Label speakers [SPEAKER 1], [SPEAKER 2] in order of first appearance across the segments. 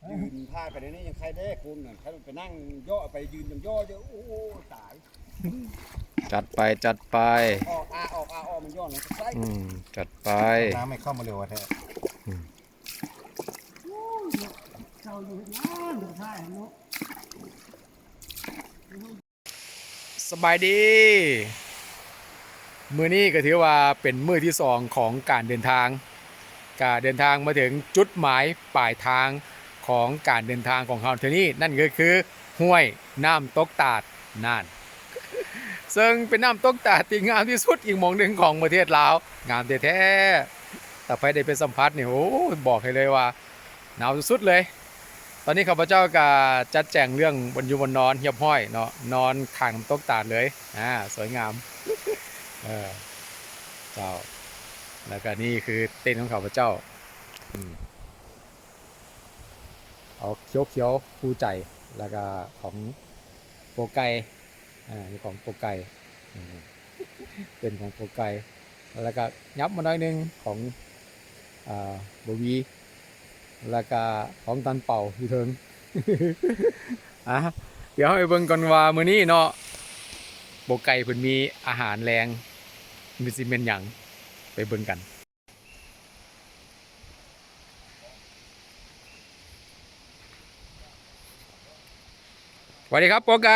[SPEAKER 1] ยืนพาไปเดี๋ยวนี้ยังใครได้คุณน่ะใครไปนั่งย่อไปยืนยังย่อเยอะโอ้ตาย
[SPEAKER 2] จัดไปจัดไป
[SPEAKER 1] ออกมันย่อลงใส่
[SPEAKER 2] จัดไป
[SPEAKER 3] น้ำไม่เข้ามาเร็วแท้
[SPEAKER 1] เจ้าอยู่น้ำอยู่ท้ายเนาะ
[SPEAKER 2] สบายดีมื้อนี้ก็ถือว่าเป็นมื้อที่2ของการเดินทางมาถึงจุดหมายปลายทางของการเดินทางของเราที่นี่นั่นก็คือห้วยน้ำตกตาดน่านซึ่งเป็นน้ำตกตาดที่งามที่สุดอีกหม่องหนึ่งของประเทศลาวงามแท้ๆแต่ไปได้ไปสัมผัสนี่โอ้บอกให้เลยว่าหนาวสุดๆเลยตอนนี้ข้าพเจ้าก็จัดแจงเรื่องบนอยู่บนนอนเหียบห้อยเนาะนอนข้างน้ำตกตาดเลยสวยงามเจ้าแล้วก็นี่คือเต็นท์ของข้าพเจ้าเอาเขียวผู้ใจแล้วก็ของโปไกนี่ของโปไกเป็นของโปไกแล้วก็ยับมาหน่อยนึงของบวีแล้วก็ของตันเป่าอยู่เทิงเดี๋ยวให้เบิ่งก่อนว่ามื้อนี้เนาะโปไกเพิ่นมีอาหารแรงมีสิเป็นหยังไปเบิ่งกันสวัสดีครับโปไก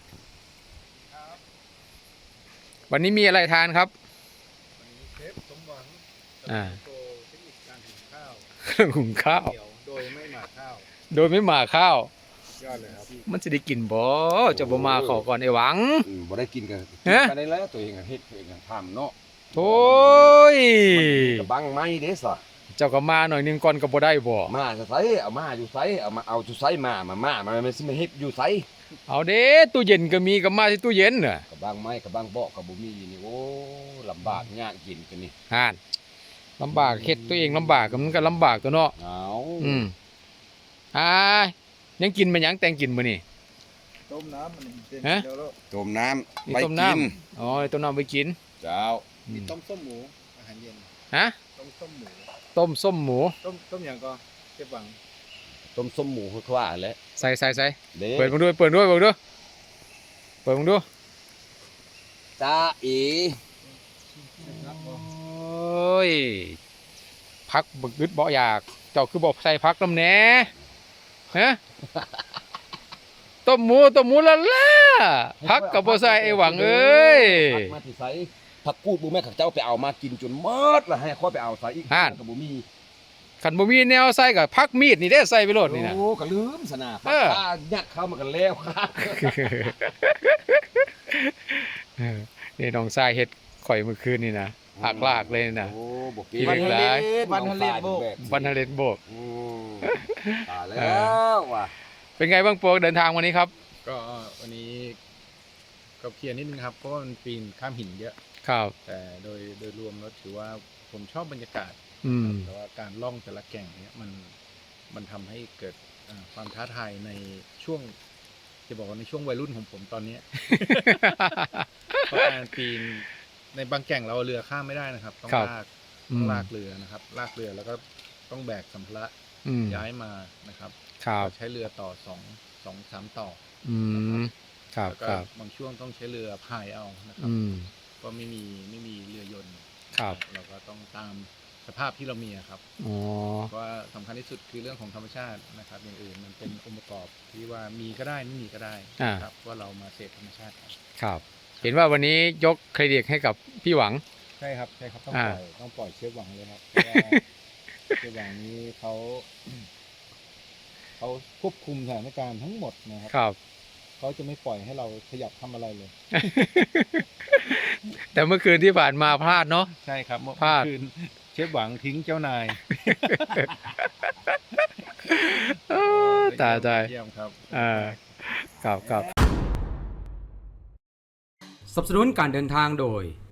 [SPEAKER 2] วันนี้มีอะไรทานครับ
[SPEAKER 3] วันนี้เชฟสมหวังโชว์เทคนิคการหุงข้าว
[SPEAKER 2] เครื่องหุงข้าว
[SPEAKER 3] โดยไม่หมักข้าวย
[SPEAKER 2] อดเลยครับมันจะได้กินบ่จะบ่มาขอก่อนไอ้หวัง
[SPEAKER 1] บ่ได้กินกันได้แล้วตัวเองเฮ็ดตัวเองทำเนาะ
[SPEAKER 2] โอ้ย
[SPEAKER 1] กระบังไม้เด้ซะ
[SPEAKER 2] เจ้าก็มาหน่อยนึงก่อนก็บ่ได้บ่
[SPEAKER 1] มาจะไสเอามาอยู่ไสเอามาเอาอยู่ไสมามันสิมาเฮ็ดอยู่ไส
[SPEAKER 2] เอาเด้ตู้เย็นก็มีก็มาที่ตู้เย็นน่ะ
[SPEAKER 1] กระบังไม้กระบังเบาะก็บ่มีนี่โอ้ลำบากยากกินกันนี่
[SPEAKER 2] ลำบากเฮ็ดตัวเองลำบากก็มันก็ลำบากตัวเนาะยังกินมันยังแต่งกินมื้อนี่
[SPEAKER 3] ต้มน้ำมันเป็น
[SPEAKER 1] ต้มน้ำ
[SPEAKER 2] ไปกินอ๋อต้มน้ำไปกิน
[SPEAKER 1] เจ้า
[SPEAKER 3] มีต้มส้มหมูอาหารเย็นต้มส้มหมู
[SPEAKER 2] ต้มส้มหมู
[SPEAKER 3] ต้มอย่างก็เก็บหวัง
[SPEAKER 1] ต้มส้มหมูคือว่าแหละ
[SPEAKER 2] ใส่เปิดมึงด้วยเปิดมึงดู
[SPEAKER 1] จ้าอี
[SPEAKER 2] โอ้ยพักบึกดึดบ่อยากเจ้าคือบอกใส่พักน้ำแหน่ต้มหมูละล่ะพักกับบ่ใส่ไอ้หวังเอ้ย
[SPEAKER 1] พักมาที่ไสผักกูดบ่แม่ข้าเจ้าไปเอามากินจนหมดแล้วให้ค่อยไปเอาใส่อีกก็บ่มี
[SPEAKER 2] ขันบ่มีแนวใส่กับพักมีดนี่ได้ใส่ไปโลดนี่นะ
[SPEAKER 1] โอ้ก็ลืมซะนะพักยัดเข้ามากันแล้วครับ
[SPEAKER 2] นี่น้องชายเฮ็ดข่อยเมื่อคืนนี่นะหักลากเลยนะ
[SPEAKER 1] โอ้บ่กิ
[SPEAKER 2] นหลาย
[SPEAKER 3] วันทะเลโบก
[SPEAKER 1] ตายแล้วว่ะ
[SPEAKER 2] เป็นไงบ้างโปรเดินทางวันนี้ครับ
[SPEAKER 3] ก็วันนี้ก็เคลียร์นิดนึงครับเพราะว่ามันปีนข้ามหินเยอะ
[SPEAKER 2] ครับ
[SPEAKER 3] แต่โดยรวมแล้วถือว่าผมชอบบรรยากาศแต่ว่าการล่องแต่ละแก่งเนี้ยมันทำให้เกิดความท้าทายในช่วงจะบอกว่าในช่วงวัยรุ่นของผมตอนนี้เพราะการปีนในบางแก่งเราเรือข้ามไม่ได้นะครับต้องลากเรือนะครับลากเรือแล้วก็ต้องแบกสัมภาระย้ายมานะครับใช้เรือต่อ2-3ต่อแล้วก็บางช่วงต้องใช้เรือพายเอานะครับก็ไม่มีเรือยนต์เราก็ต้องตามสภาพที่เรามีครับว่าสำคัญที่สุดคือเรื่องของธรรมชาตินะครับอย่างอื่นมันเป็นองค์ประกอบที่ว่ามีก็ได้ไม่มีก็ได้ครับว่าเรามาเสพธรรมชาติ
[SPEAKER 2] ครับเห็นว่าวันนี้ยกเครดิตให้กับพี่หวัง
[SPEAKER 3] ใช่ครับต้องปล่อยเชฟหวังเลยครับเชฟหวังนี้เขาควบคุมสถานการณ์ทั้งหมดนะครับเขาจะไม่ปล่อยให้เราขยับทำอะไรเลย
[SPEAKER 2] แต่เมื่อคืนที่ผ่านมาพลาดเนาะ
[SPEAKER 3] ใช่ครับเมื่อคืนเชฟหวังทิ้งเจ้านาย
[SPEAKER 2] ตาย
[SPEAKER 3] เยี่ยมครับ
[SPEAKER 2] ครับสนับสนุนการเดินทางโดย